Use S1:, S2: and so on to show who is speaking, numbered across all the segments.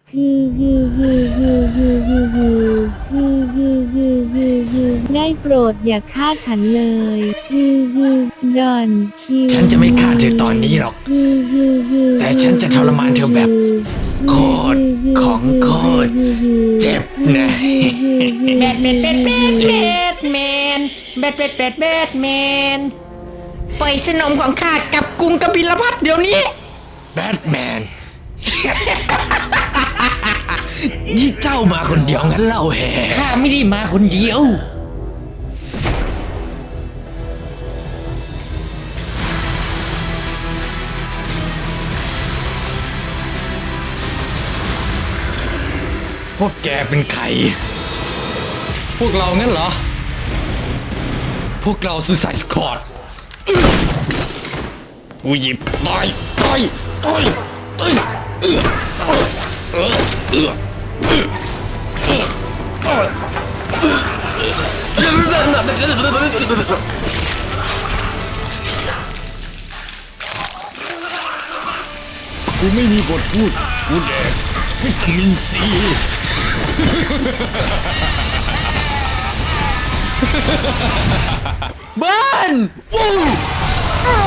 S1: ได้โปรดอย่าฆ่าฉันเลยดอนคิว
S2: ฉันจะไม่ฆ่าเธอตอนนี้หรอก แต่ฉันจะทรมานเธอแบบโคตรของโคตรเจ็บนะ
S3: แบทแมนปล่อยสนมของข้ากับกรุงกบิลพัทเดี๋ยวนี้
S2: แบทแมน นี่เจ้ามาคนเดียวงั้นเล่าแห่
S3: ข้าไม่ได้มาคนเดียว
S2: พวกแกเป็นใคร พวกเรางั้นเหรอ พวกเราซูไซด์สควอดกูหยิบต่อยกูไม่มีบทพูด กูแดกวิตามินซีเบิร์นวู้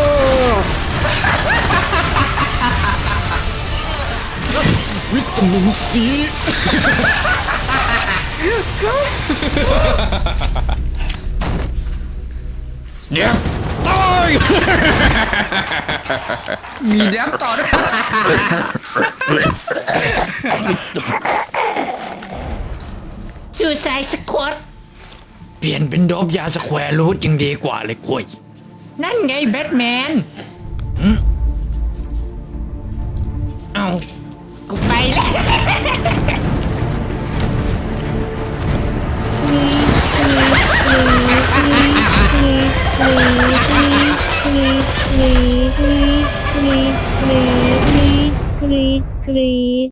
S2: วิตามินซีเดี๋ยวตาย
S3: มีแดมต่อด้วยซูไซด์สควอต
S2: เปลี่ยนเป็นโดบยาสแควร์รูทยังดีกว่าเลยกล้วย
S3: นั่นไงแบทแมน
S2: เอา
S3: กูไปแล้ว
S1: กรีด